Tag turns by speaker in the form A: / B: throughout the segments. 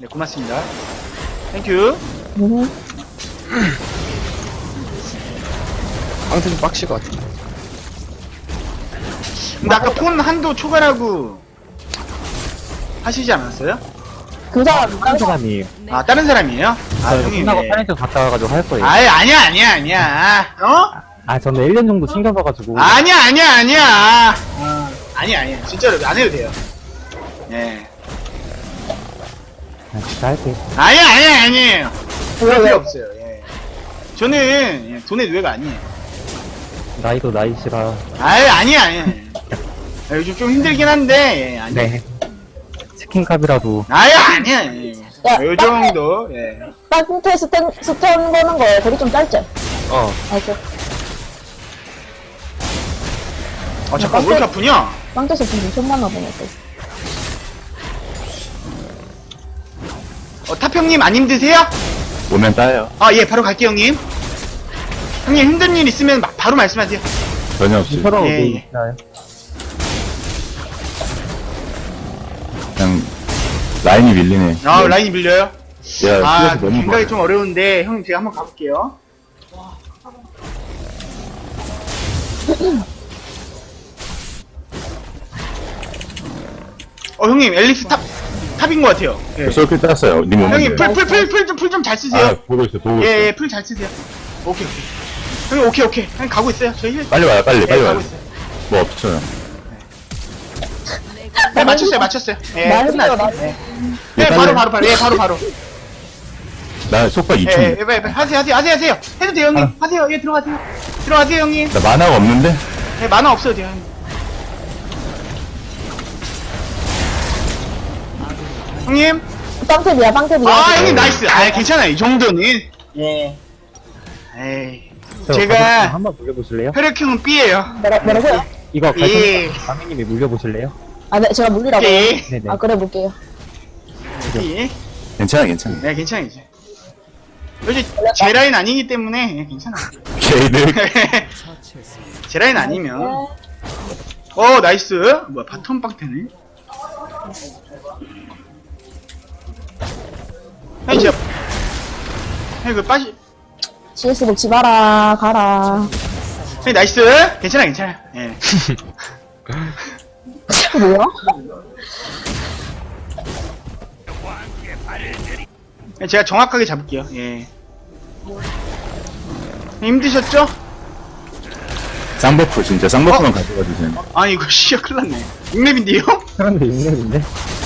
A: 네, 고맙습니다. 땡큐.
B: 방태 좀 빡칠 것 같은데.
A: 근데 아까 폰 한도 초과라고 하시지 않았어요?
C: 그 사람
D: 다른 사람이에요.
A: 아, 다른 사람이에요? 아,
D: 저
A: 형님.
D: 끝나고
A: 네.
D: 파렌트 갔다 와가지고 할 거예요.
A: 아이, 아니야. 어?
D: 아, 저는 1년 정도 챙겨봐가지고.
A: 아니야. 아니야. 진짜로 안 해도 돼요. 예.
D: 아, 진짜 할게요.
A: 아니에요. 그럴
C: 왜?
A: 필요 없어요. 예. 저는 예, 돈의 누에가 아니에요.
D: 나이도 나이시라.
A: 아니야. 아, 요즘 좀 힘들긴 한데, 예, 아니야.
D: 네. 치킨값이라도.
A: 아니야.
C: 야,
A: 요 정도, 예.
C: 빵태 스턴 거는 거 거리 좀 짧지? 알죠?
A: 잠깐, 왜 이렇게 아프냐?
C: 빵태 스턴 좀 만나 보네 또.
A: 탑형님 안 힘드세요?
B: 오면 따요.
A: 아, 예, 바로 갈게요, 형님. 형님 힘든 일 있으면 바로 말씀하세요.
B: 전혀 없이.
D: 서로
A: 예,
D: 네,
A: 예.
D: 있나요?
B: 그냥, 라인이 밀리네.
A: 아, 라인이 밀려요?
B: 야,
A: 아,
B: 너무
A: 굉장히
B: 좋아.
A: 좀 어려운데, 형님 제가 한번 가볼게요. 형님, 앨리스 탑인 것 같아요. 예.
B: 솔킬 땄어요. 님 오면
A: 형님,
B: 돼요.
A: 풀 좀 잘 쓰세요.
B: 아, 보고 있어.
A: 예, 풀 잘 쓰세요. 오케이. 형님, 오케이. 형님, 가고 있어요. 저희 힐.
B: 빨리 와요, 빨리
A: 가고
B: 와요.
A: 있어요.
B: 뭐 없어요.
A: 네, 맞췄어요. 예,
C: 말
A: 끝났어요.
C: 들어,
A: 예.
B: 예,
A: 예,
B: 빨리.
A: 바로. 예, 바로.
B: 나 속박 2초.
A: 예, 하세요. 해도 돼요, 형님. 하세요. 예, 들어가세요, 형님.
B: 나 만화가 없는데?
A: 예, 만화 없어도 돼요, 형님. 형님.
C: 빵태비야 빵태비야.
A: 아, 형님, 나이스. 아, 괜찮아요. 이 정도는. 예. 에이. 제가
D: 한번 물려보실래요?
A: 혈액형은 B예요.
C: 뭐라고요?
D: 이거
A: 예.
D: 강민님이 물려보실래요?
C: 아, 네, 제가 물리라고요?
A: B.
D: 네네.
C: 아, 그래 볼게요.
A: B.
B: 괜찮아.
A: 네, 괜찮아요, 이제. 요즘 제 라인 아니기 때문에 예, 괜찮아.
B: 걔들.
A: 제 라인 아니면. 나이스. 뭐야, 바텀 빵태네. 형님, 진짜. 형님,
C: CS 먹지 마라 가라.
A: 형님, 나이스. 괜찮아. 예.
C: 그 뭐야?
A: 제가 정확하게 잡을게요. 예. 힘드셨죠?
B: 쌍버프, 진짜. 쌍버프만 가져가 주세요.
A: 아니, 이거 시야 큰일 났네. 6렙인데요?
D: 사람들 6렙인데?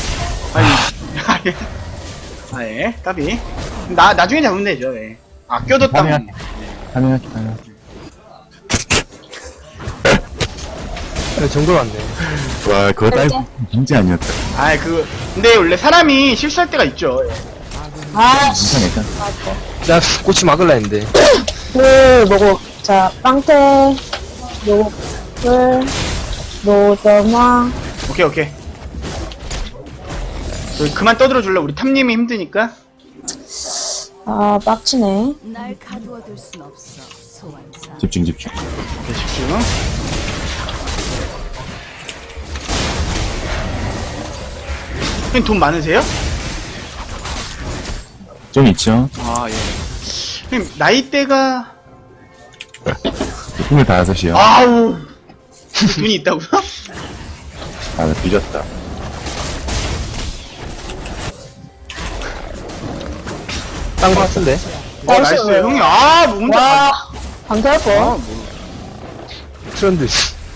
A: 예. 까비. 나중에 잡으면 되죠, 예. 아껴뒀다면.
B: 하면할게.
D: 그 정도로 안 돼.
B: 와, 그거 딸고 진짜 아니었다.
A: 근데 원래 사람이 실수할 때가 있죠. 예.
C: 아,
B: 괜찮아.
E: 나 꼬치 막을라 했는데.
C: 뭐고. 자, 빵태, 노점화.
A: 오케이. 그만 떠들어 줄래? 우리 탐님이 힘드니까.
C: 아, 빡치네.
F: 날 가두어둘 순 없어, 소환사.
B: 집중.
A: 네, 집중. 형님 돈 많으세요?
B: 좀 있죠?
A: 아, 예. 형님, 나이대가.
B: 25이요.
A: 아우. 돈이 있다고요?
B: 나 뒤졌다.
E: 딴 거 같은데?
A: 나이스. 형님, 뭐 혼자.
C: 와, 방태할 거.
E: 트렌드.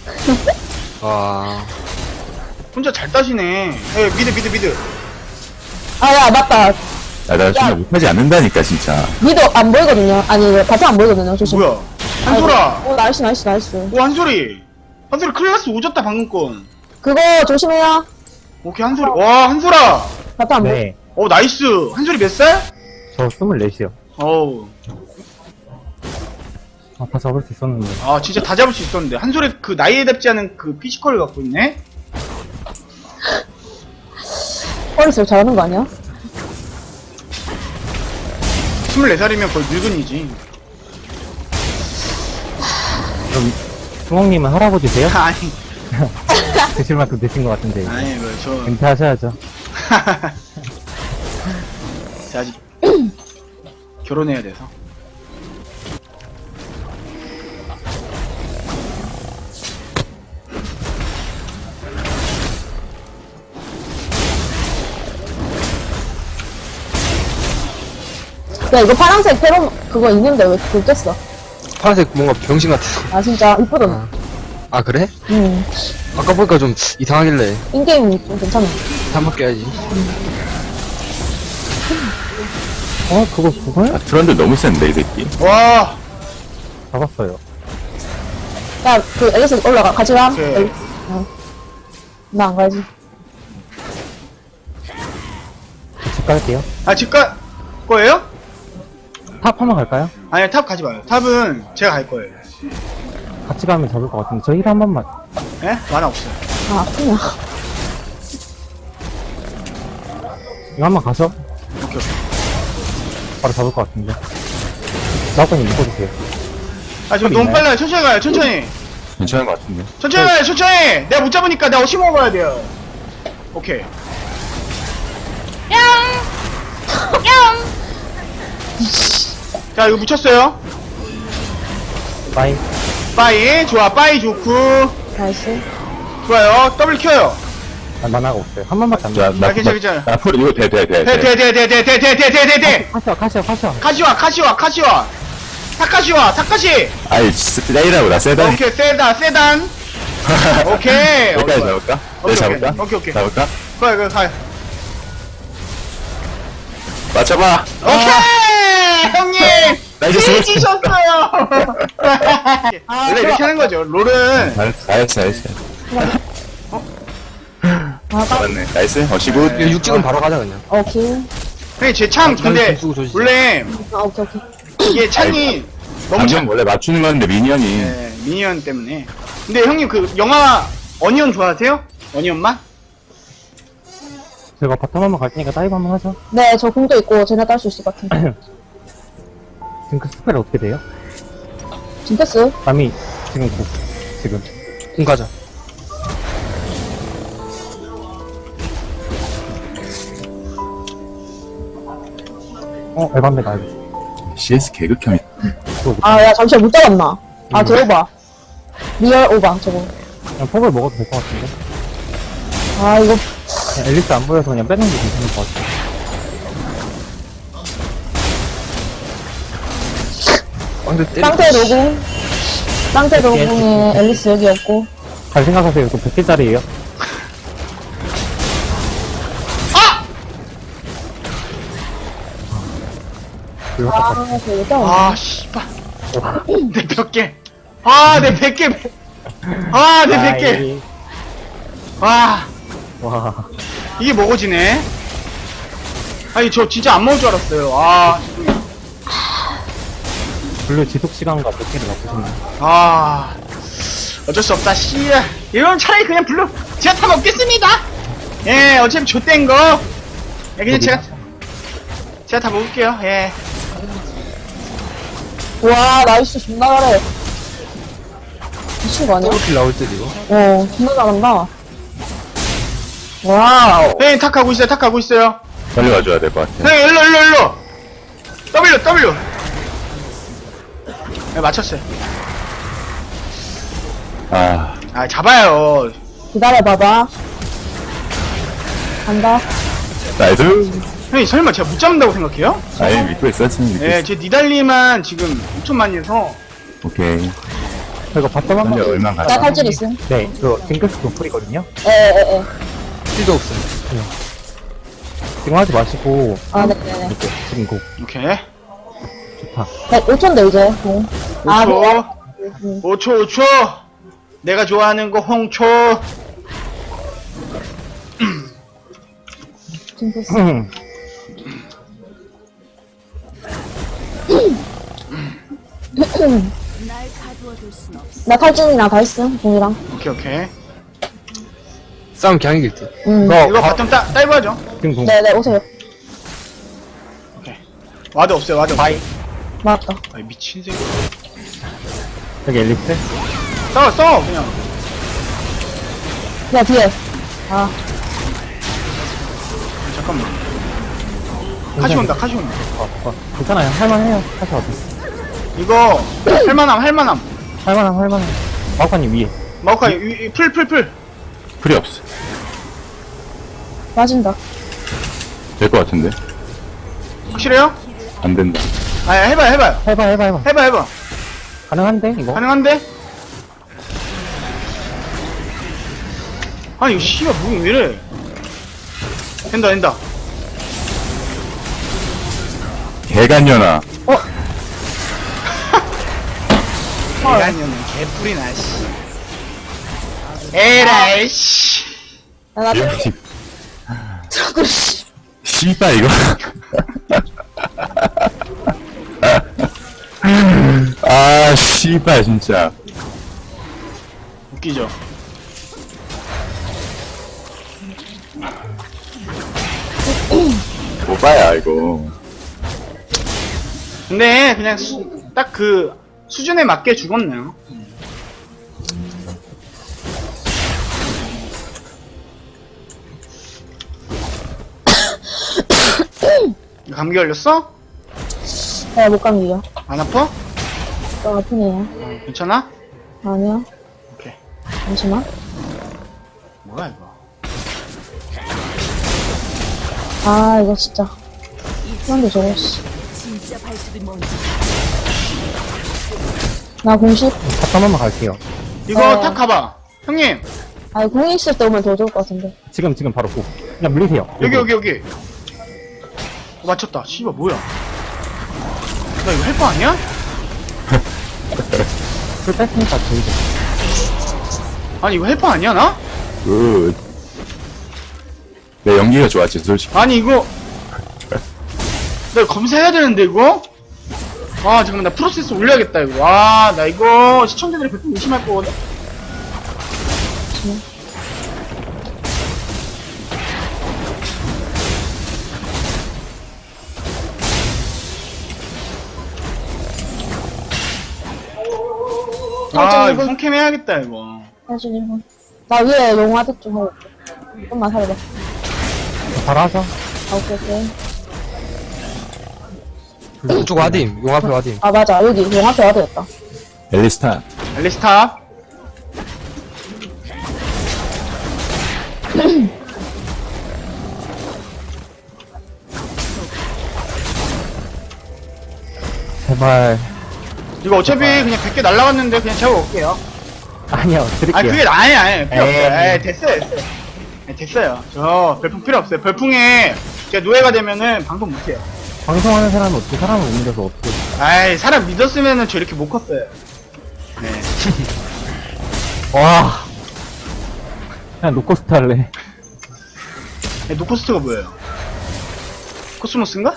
E: 와.
A: 혼자 잘 따시네. 예, 미드.
C: 아, 야, 맞다.
B: 야, 나 진짜 못하지 않는다니까, 진짜.
C: 미도 안 보이거든요. 아니, 바탕 안 보이거든요. 조심.
A: 뭐야? 한솔아.
C: 오, 나이스.
A: 한솔이 클래스 오졌다, 방금 건.
C: 그거 조심해요.
A: 오케이, 한솔이. 와, 한솔아.
C: 바탕 안 보이.
D: 네.
A: 나이스. 한솔이 몇 살?
D: 저 24이요.
A: 어우.
D: 다 잡을 수 있었는데.
A: 진짜 다 잡을 수 있었는데. 한솔이 그 나이에 답지 않은 그 피지컬을 갖고 있네?
C: 어릴수록 잘하는 거 아니야?
A: 24살이면 거의 늙은이지.
D: 그럼, 수홍님은 할아버지세요?
A: 아니,
D: 드실 만큼 드신 것 같은데. 이제.
A: 저.
D: 은퇴하셔야죠.
A: 제가 아직 결혼해야 돼서.
C: 야, 이거 파란색 페로 그거 있는데 왜 그걸 꼈어?
E: 파란색 뭔가 병신 같아.
C: 아, 진짜 이쁘더라.
E: 아, 그래?
C: 응.
E: 아까 보니까 좀 이상하길래.
C: 인게임이 좀 괜찮아.
E: 한번 껴야지.
D: 그걸?
B: 아, 트런들 너무 센데, 이 새끼.
A: 와,
D: 잡았어요.
C: 야, 그 앨리스 올라가. 같이 가.
A: 오케이.
C: 앨리스. 나 안 가야지.
D: 집 갈게요.
A: 아, 집 갈 거예요?
D: 탑 한번 갈까요?
A: 아니, 탑 가지 마요. 탑은 제가 갈 거예요.
D: 같이 가면 잡을 것 같은데. 저 힐 한 번만.
A: 예? 만화 없어요.
C: 아, 아프냐.
D: 이거 한 번 가서
A: 오케이, 오케이.
D: 바로 잡을 것 같은데. 나오빠님 묶어주세요.
A: 아, 지금
D: 탑
A: 너무
D: 있나요?
A: 빨라요. 천천히 가요, 천천히.
B: 괜찮은 것 같은데.
A: 천천히 가요, 천천히! 내가 못 잡으니까 내가 어시 먹어야 돼요. 오케이. 자, 이거 묻혔어요.
D: 빠이.
A: 빠이, 좋아, 빠이 좋고.
C: 나이스.
A: 좋아요. 더블 켜요.
D: 아, 만화가 없어요. 한 번밖에 안
B: 자,
D: 돼.
B: 나,
A: 괜찮아.
B: 나, 앞으로 이거 돼.
A: 대.
D: 카시와.
A: 카시와. 타카시.
B: 아이, 세이라고, 나 세다.
A: 오케이, 세단. 오케이.
B: 여기까지
A: 좋아요.
B: 잡을까?
A: 오케이,
B: 네, 잡을까?
A: 오케이.
B: 잡을까?
A: 가요.
B: 맞춰봐.
A: 오케이! 형님!
B: 나 이제 죽었어.
A: 이기셨어요! 원래 이렇게 하는 거죠. 롤은.
B: 잘했어. 잡았네. 나이스. 어시굿.
E: 이거 육지금 바로 가자, 그냥.
C: 오케이.
A: 형님, 제 창, 근데,
E: 쓰고 조지지.
A: 원래,
C: 아, 오케이.
A: 이게 창이 너무
B: 감정 원래 맞추는 건데, 미니언이.
A: 네, 미니언 때문에. 근데 형님, 그, 영화, 어니언 좋아하세요? 어니언만?
D: 제가 바텀 한번 갈 테니까 다이브 한번 하죠.
C: 네, 저 공도 있고, 쟤네 딸 수 있을 것 같은데.
D: 지금 그 스펠 어떻게 돼요?
C: 징크스?
D: 남이 지금 지금.
E: 궁 가자.
D: 에반메다.
B: CS 개극혐이.
C: 아, 야, 잠시만, 못 잡았나? 아, 개오바. 리얼 오바, 저거.
D: 그냥 폭을 먹어도 될 것 같은데.
C: 아, 이거,
D: 그냥 앨리스 안 보여서 그냥 빼는 게 괜찮을 것 같아.
E: 빵대 때리.
C: 쌍태 노궁. 쌍태 노궁에 앨리스 여기 없고.
D: 잘 생각하세요. 이거 100개짜리예요. 이거 딱
C: 아, 되게 짜
A: 아, 씨발. 내 100개. 아, 내 100개. 아, 내 100개. 와,
D: 와.
A: 이게 먹어지네. 아니, 저 진짜 안 먹을 줄 알았어요. 아,
D: 블루 지속 시간과 100개를 맞추셨네.
A: 아. 어쩔 수 없다, 씨. 이런 차라리 그냥 블루, 제가 다 먹겠습니다. 예, 어차피 좆된 거. 예, 그냥 제가 다 먹을게요, 예.
C: 와, 나이스, 존나 잘해. 미친 거 아니야?
E: 더블킬 나올 때, 이거.
C: 존나 잘한다. 와우.
A: 형님, 탁 가고 있어요.
B: 빨리 와줘야 될 것 같아.
A: 형님, 일로. W. 네, 맞췄어요.
B: 아,
A: 아, 잡아요.
C: 기다려봐봐. 간다.
B: 나이스.
A: 형님, 설마 제가 못 잡는다고 생각해요?
B: 아이, 믿고 있었지, 믿고
A: 예,
B: 있어.
A: 제 니달리만 지금 5천만 해서.
B: 오케이.
D: 이거 바텀
B: 현재
D: 한번.
B: 얼마
C: 나
B: 가자.
C: 탈줄 있음.
D: 네, 이거 징크스 노플이거든요.
C: 에에에.
E: 필도 없어.
D: 지금 하지 마시고.
C: 아, 네네네.
D: 이렇게 지금 고
A: 오케이.
D: 좋다.
C: 네, 5초인데, 이제. 아,
A: 5초.
C: 네.
A: 5초. 내가 좋아하는 거 홍초.
C: 징크스.
F: 날 가두어둘 순 없어.
C: 나 탈진이랑 다 했음, 공이랑.
A: 오케이.
E: 싸움 그냥 이길 듯.
A: 이거 바텀 다이브 하죠.
D: 지금 고.
C: 네네, 오세요.
A: 와드 없어요.
C: 맞다.
A: 아이, 미친 새끼.
D: 여기 앨리스.
A: 싸워, 그냥.
C: 야, 뒤에. 아,
A: 잠깐만. 카시 온다, 카시 온다.
D: 괜찮아요. 할만해요. 사실 어디.
A: 이거, 할만함.
D: 할만함. 마우카님 위에.
A: 마오카이, 풀.
B: 풀이 없어.
C: 맞은다.
B: 될 것 같은데.
A: 확실해요?
B: 안 된다.
A: 아, 해봐요.
D: 해봐. 가능한데, 이거?
A: 가능한데? 아니, 이거 씨가 무기 왜 이래? 된다.
B: 개간년아.
A: 개간년은 개뿔이나, 씨. 에라이, 씨.
C: 나 자꾸, 씨.
B: 씨발, 이거. 아, 씨발, 진짜.
A: 웃기죠?
B: 뭐봐야, 이거.
A: 근데, 그냥 딱 그, 수준에 맞게 죽었네요. 감기 걸렸어?
C: 못 감기요.
A: 안 아파?
C: 또 아프네요.
A: 괜찮아?
C: 아니요.
A: 오케이.
C: 잠시만.
A: 뭐야, 이거.
C: 아, 이거 진짜. 그런데 저거, 씨.
F: 진짜 발톱이 뭔지
C: 나 공식?
D: 탑 한번만 갈게요.
A: 이거 탁 가봐. 형님,
C: 아니, 공이 있을 때 오면 더 좋을 것 같은데.
D: 지금 바로 고. 그냥 물리세요.
A: 여기. 맞췄다. 씨발, 뭐야. 나 이거 할 거 아니야?
D: 풀 뺐으니까 저희도.
A: 아니, 이거 할 거 아니야, 나?
B: 굿. 내 연기가 좋았지, 솔직히.
A: 아니, 이거. 나 이거 검사해야 되는데, 이거? 아, 잠깐만, 나 프로세스 올려야겠다, 이거. 와, 나 이거 시청자들이 100% 의심할 거거든? 아, 이거 손캠 해야겠다, 이거.
C: 사실 1분. 나 위에 용화득 좀 하고 올게. 좀만 살려봐.
D: 바로 하자.
C: 아, 오케이.
E: 왼쪽 와딤, 용 앞에 와딤.
C: 아, 맞아. 여기 용 앞에 와도 됐다.
B: 엘리스타.
A: 엘리스타.
D: 제발.
A: 이거 어차피 그냥 100개 날라갔는데 그냥 제가 올게요.
D: 아니요, 드릴게요.
A: 아, 그게 아니, 필요 없어요.
D: 에이.
A: 에이, 됐어요. 네, 됐어요. 저 별풍 필요 없어요. 별풍에 제가 노예가 되면은 방송 못해요.
D: 방송하는 사람은 어떻게 사람을 못 믿어서 어떻게.
A: 아이, 사람 믿었으면은 저 이렇게 못 컸어요. 네.
D: 와. 그냥 노코스트 할래.
A: 노코스트가 뭐예요? 코스모스인가?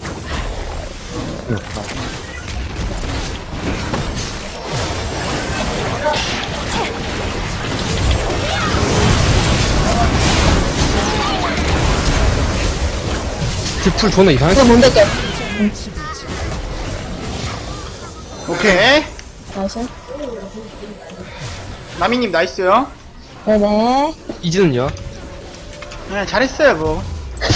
E: 풀 존나 이상하게.
C: 이거 뭔데, 깨?
A: 오케이.
C: 나이스.
A: 나미님 나이스요.
C: 네네.
E: 이즈는요?
A: 네, 잘했어요, 뭐.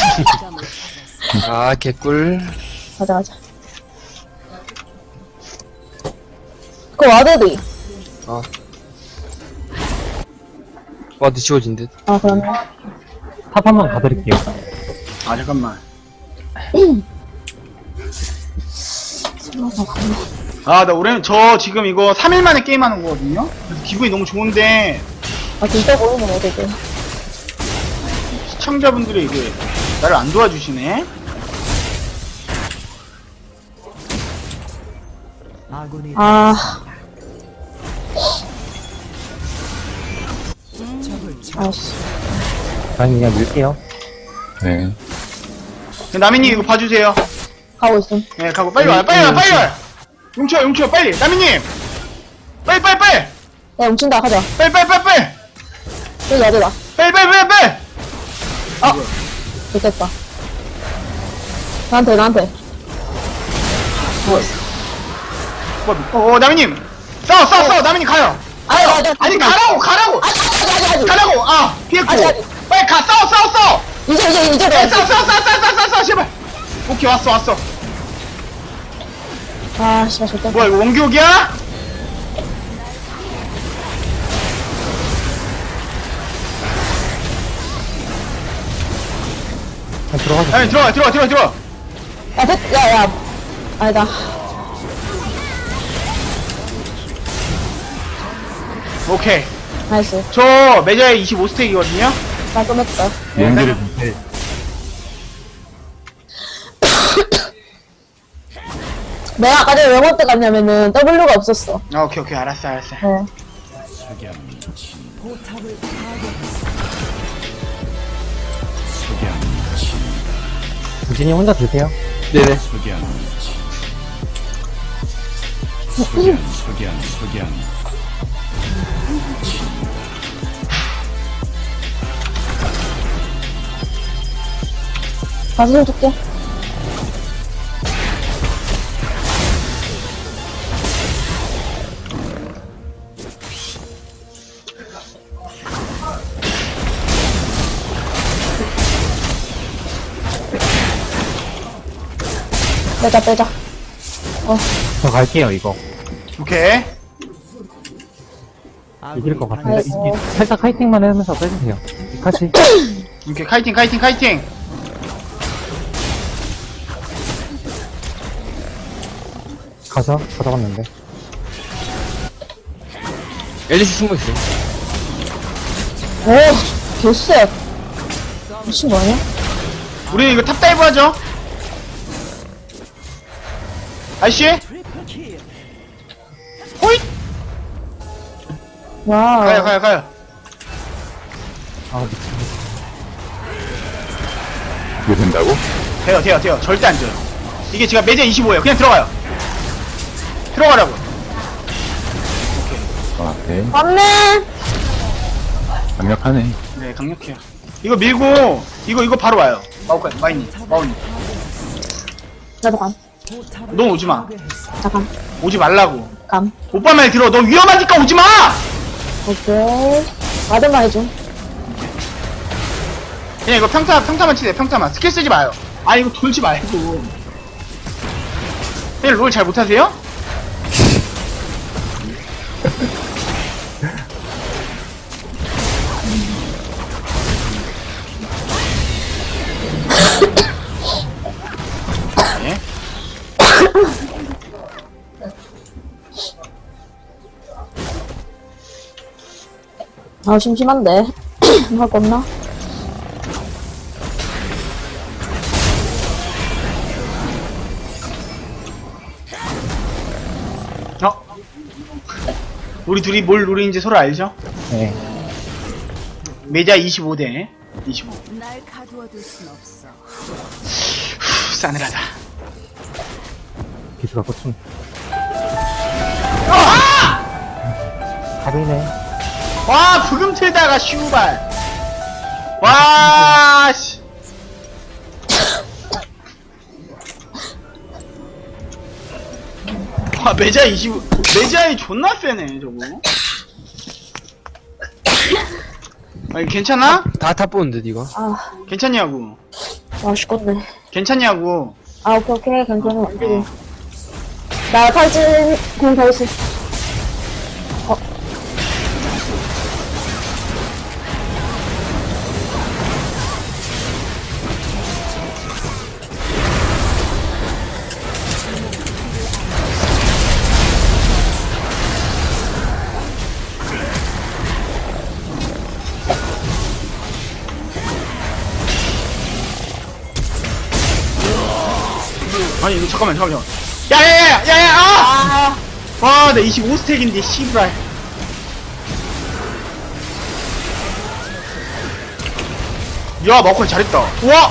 E: 아, 개꿀.
C: 가자. 그거 와드디.
E: 와드 지워진 듯.
C: 아, 그러면.
D: 탑 한번 가드릴게요.
A: 아, 잠깐만. 아, 나 올해, 저 지금 이거 3일 만에 게임하는 거거든요? 그래서 기분이 너무 좋은데,
C: 아, 진짜 보이면 어디지?
A: 시청자분들이 이게, 나를 안 도와주시네?
C: 아. 아이씨.
D: 아니, 그냥 밀게요.
B: 네.
A: 나미님 이거 봐주세요.
C: 가고 있음.
A: 네, 가고, 빨리 와요, 빨리 와요! 용쳐, 빨리! 나미님! 빨리!
C: 야, 훔친다, 가자.
A: 빨리!
C: 여기 어디다?
A: 빨리!
C: 됐겠다. 나한테.
A: 나미님! 싸워! 나미님 가요! 아니, 가라고! 가라고! 아, 피했고!
C: 아직.
A: 빨리 가! 싸워!
C: 이제
A: 싸워, 제발! 오케이, 왔어.
C: 아, 씨발, 좋다.
A: 뭐야, 이거 원기옥이야?
D: 그냥 들어가서.
A: 아니, 들어가.
C: 야, 야. 아니다.
A: 오케이.
C: 나이스.
A: 저 매자에 25스택이거든요?
C: 깔끔했다.
B: 연기를
C: 내가 아까 전에 왜 못 갔냐면은 W가 없었어.
A: 아, 오케이, 알았어.
C: 네.
D: 유진이 혼자 드세요.
E: 네네.
C: 가서 좀 줄게. 빼자.
D: 저 갈게요, 이거.
A: 오케이.
D: 이길 것 같은데.
C: 아이고.
D: 살짝 카이팅만 하면서 빼주세요. 같이.
A: 오케이, 카이팅.
D: 가서 가져갔는데.
E: 앨리스 숨어있어요.
C: 오, 개쎄. 미친 거 아니야?
A: 우리 이거 탑다이브 하죠? 아이씨? 호잇!
C: 와.
A: 가요.
D: 아, 미친.
B: 이게 된다고?
A: 돼요. 절대 안 져요. 이게 지금 매제 25예요. 그냥 들어가요. 들어가라고.
B: 아, 네.
C: 맞네.
B: 강력하네.
A: 네, 강력해요. 이거 밀고, 이거 바로 와요. 마우님.
C: 나도 감.
A: 넌 오지 마.
C: 잠깐.
A: 오지 말라고.
C: 감.
A: 오빠 말 들어. 너 위험하니까 오지 마!
C: 오케이. 와드만 해줘.
A: 그냥 이거 평타만 치세요. 평타만. 스킬 쓰지 마요. 아, 이거 돌지 말고. 그냥 롤 잘 못하세요? 네.
C: 아, 심심한데. 할 거 없나?
A: 우리 둘이 뭘 노리는지 서로 알죠?
D: 네.
A: 매자 25대 25.
F: 날 가두어둘 순 없어.
A: 싸늘하다.
D: 기수가 꽂힌.
A: 아!
D: 가비네.
A: 와, 부금 틀다가 슈발. 와, 씨. 와, 매자 25. 매자이 존나 세네, 저거. 아니, 괜찮아?
E: 다 보는데, 니가.
C: 아,
A: 괜찮냐고.
C: 맛있겠네.
A: 괜찮냐고.
C: 아, 오케이. 괜찮아. 완전히. 나 탈진 공더 있어.
A: 아니, 이거 잠깐만. 야야야야야야! 아! 와, 나 25스택인데, 씨발. 야, 마오카이 잘했다. 와!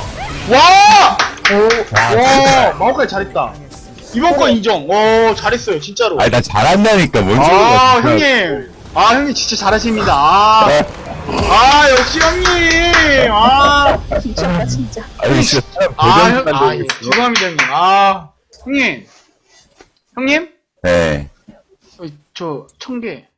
A: 마오카이 잘했다. 이번 거 인정. 잘했어요, 진짜로.
B: 아니, 나 잘한다니까, 뭔 소리야.
A: 아, 형님. 아, 형님 진짜 잘하십니다. 아, 역시 형님.
C: 미쳤다, 진짜.
B: 아니, 진짜 사람
A: 예, 죄송합니다, 형님. 형님. 형님?
B: 네.
A: 저, 1000개.